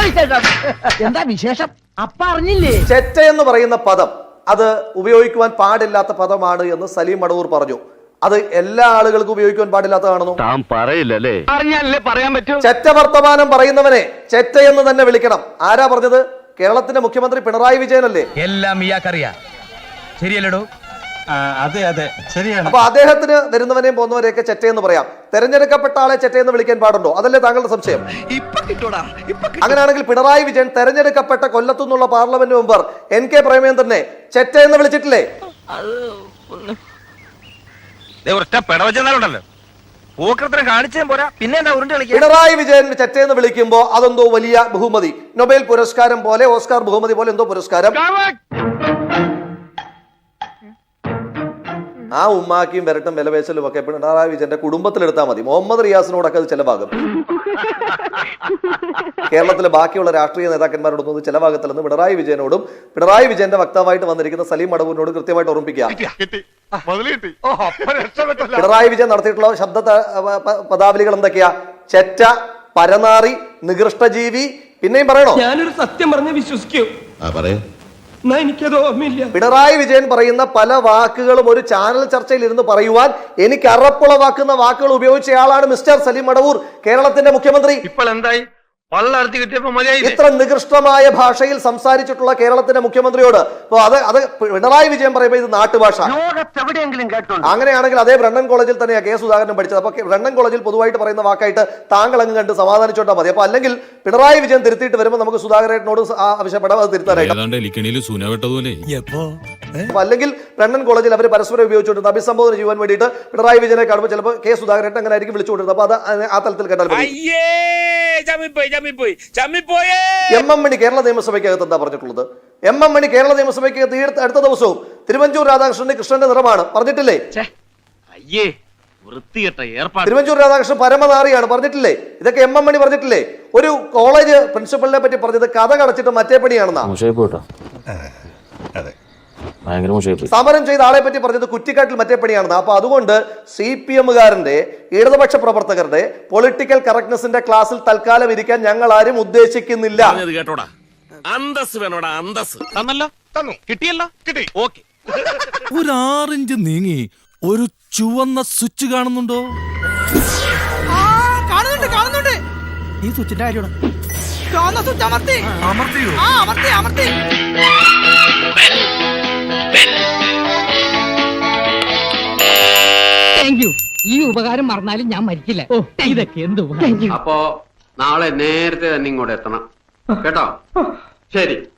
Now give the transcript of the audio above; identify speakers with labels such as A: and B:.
A: എന്താ വിശേഷം? അപ്പ അറിഞ്ഞില്ലേ?
B: ചെറ്റ എന്ന് പറയുന്ന പദം അത് ഉപയോഗിക്കുവാൻ പാടില്ലാത്ത പദമാണ് എന്ന് സലീം മടവൂർ പറഞ്ഞു. അത് എല്ലാ ആളുകൾക്കും ഉപയോഗിക്കുവാൻ പാടില്ലാത്തതാണെന്നോ?
C: താൻ പറയില്ലല്ലേ? അറിഞ്ഞാലേ പറയാൻ പറ്റൂ.
B: ചെറ്റ വർത്തമാനം പറയുന്നവനെ ചെറ്റ എന്ന് തന്നെ വിളിക്കണം. ആരാ പറഞ്ഞത്? കേരളത്തിന്റെ മുഖ്യമന്ത്രി പിണറായി വിജയനല്ലേ?
D: എല്ലാം ഇയാൾക്കറിയാം. ശരിയല്ലടോ?
E: അതെ അതെ ശരിയാണ്.
B: അപ്പൊ അദ്ദേഹത്തിന് വരുന്നവനെയും പോകുന്നവരെയൊക്കെ ചെറ്റയെന്ന് പറയാം. തെരഞ്ഞെടുക്കപ്പെട്ട ആളെ ചെറ്റയെന്ന് വിളിക്കാൻ പാടുണ്ടോ? അതല്ലേ താങ്കളുടെ സംശയം? അങ്ങനെയാണെങ്കിൽ പിണറായി വിജയൻ തെരഞ്ഞെടുക്കപ്പെട്ട കൊല്ലത്തുനിന്നുള്ള പാർലമെന്റ് മെമ്പർ NK പ്രേമചന്ദ്രനെ ചെറ്റയെന്ന് വിളിച്ചിട്ടില്ലേ? പിണറായി വിജയൻ ചെറ്റയെന്ന് വിളിക്കുമ്പോ അതെന്തോ വലിയ ബഹുമതി, നൊബേൽ പുരസ്കാരം പോലെ, ഓസ്കാർ ബഹുമതി പോലെ എന്തോ പുരസ്കാരം. ആ ഉമ്മാക്കിയും വരട്ടും വിലപേശലും ഒക്കെ പിണറായി വിജയന്റെ കുടുംബത്തിലെടുത്താൽ മതി. മുഹമ്മദ് റിയാസിനോടൊക്കെ അത് ചെലവാകും. കേരളത്തിലെ ബാക്കിയുള്ള രാഷ്ട്രീയ നേതാക്കന്മാരോടൊന്നും അത് ചെലവാകത്തില്ലെന്ന് പിണറായി വിജയനോടും പിണറായി വിജയന്റെ വക്താവായിട്ട് വന്നിരിക്കുന്ന സലീം മടവൂരിനോട് കൃത്യമായിട്ട് ഓർമ്മിപ്പിക്കുക. പിണറായി വിജയൻ നടത്തിയിട്ടുള്ള ശബ്ദ പദാവലികൾ എന്തൊക്കെയാ? ചെറ്റ, പരനാറി, നികൃഷ്ടജീവി, പിന്നെയും പറയണോ?
F: ഞാനൊരു സത്യം പറഞ്ഞ് വിശ്വസിക്കൂ. എനിക്കത് ഓർമ്മയില്ല.
B: പിണറായി വിജയൻ പറയുന്ന പല വാക്കുകളും ഒരു ചാനൽ ചർച്ചയിൽ ഇരുന്ന് പറയുവാൻ എനിക്ക് അറപ്പുളവാക്കുന്ന വാക്കുകൾ ഉപയോഗിച്ചയാളാണ് മിസ്റ്റർ സലീം മടവൂർ, കേരളത്തിന്റെ മുഖ്യമന്ത്രി.
C: ഇപ്പോൾ എന്തായി?
B: ഇത്ര നികൃഷ്ടമായ ഭാഷയിൽ സംസാരിച്ചിട്ടുള്ള കേരളത്തിന്റെ മുഖ്യമന്ത്രിയോട് അത് പിണറായി വിജയൻ പറയുമ്പോൾ ഇത് നാട്ടുഭാഷ. അങ്ങനെയാണെങ്കിൽ അതേ ബ്രണ്ണൻ കോളേജിൽ തന്നെയാണ് കെ സുധാകരൻ പഠിച്ചത്. അപ്പൊ ബ്രണ്ണൻ കോളേജിൽ പൊതുവായിട്ട് പറയുന്ന വാക്കായിട്ട് താങ്കൾ അങ്ങ് കണ്ട് സമാധാനിച്ചോണ്ടാ മതി. അപ്പൊ അല്ലെങ്കിൽ പിണറായി വിജയൻ തിരുത്തിയിട്ട് വരുമ്പോൾ നമുക്ക് സുധാകരനോട് ആവശ്യപ്പെടാം അത് തിരുത്താനായിട്ട്. അപ്പൊ അല്ലെങ്കിൽ ബ്രണ്ണൻ കോളേജിൽ അവർ പരസ്പരം ഉപയോഗിച്ചുകൊണ്ടിരുന്ന അഭിസംബോധന ചെയ്യാൻ വേണ്ടിയിട്ട് പിണറായി വിജയനെ കാണുമ്പോൾ ചിലപ്പോൾ കെ സുധാകരൻ അങ്ങനെ ആയിരിക്കും വിളിച്ചുകൊണ്ടിരുന്നത്. അപ്പൊ അത് ആ തലത്തിൽ കേട്ടാൽ MM മണി കേരള നിയമസഭയ്ക്കകത്ത് എന്താ പറഞ്ഞിട്ടുള്ളത്? MM മണി കേരള നിയമസഭയ്ക്കകത്ത് അടുത്ത ദിവസവും തിരുവഞ്ചൂർ രാധാകൃഷ്ണന്റെ കൃഷ്ണന്റെ നിറമാണ് പറഞ്ഞിട്ടില്ലേ? തിരുവഞ്ചൂർ രാധാകൃഷ്ണൻ പരമനാറിയാണ് പറഞ്ഞിട്ടില്ലേ? ഇതൊക്കെ MM മണി പറഞ്ഞിട്ടില്ലേ? ഒരു കോളേജ് പ്രിൻസിപ്പലിനെ പറ്റി പറഞ്ഞത് കഥ കടച്ചിട്ട് മറ്റേ പണിയാണെന്നാ. സമരം ചെയ്ത ആളെ പറ്റി പറഞ്ഞത് കുറ്റിക്കാട്ടിൽ മറ്റേ പണിയാണെന്ന്. അപ്പൊ അതുകൊണ്ട് CPM-കാരന്റെ ഇടതുപക്ഷ പ്രവർത്തകരുടെ പൊളിറ്റിക്കൽ കറക്റ്റ്നെസിന്റെ ക്ലാസ്സിൽ തൽക്കാലം ഇരിക്കാൻ ഞങ്ങൾ ആരും ഉദ്ദേശിക്കുന്നില്ല.
G: ഒരു 6 ഇഞ്ച് നീങ്ങി ഒരു ചുവന്ന സ്വിച്ച് കാണുന്നുണ്ടോ?
A: കാണുന്നുണ്ട്. ഈ സ്വിച്ചിന്റെ കാര്യമാണ്. ഈ ഉപകാരം മറന്നാലും ഞാൻ മരിക്കില്ല. ഇതൊക്കെ എന്ത്?
H: അപ്പോ നാളെ നേരത്തെ തന്നെ ഇങ്ങോട്ട് എത്തണം കേട്ടോ? ശരി.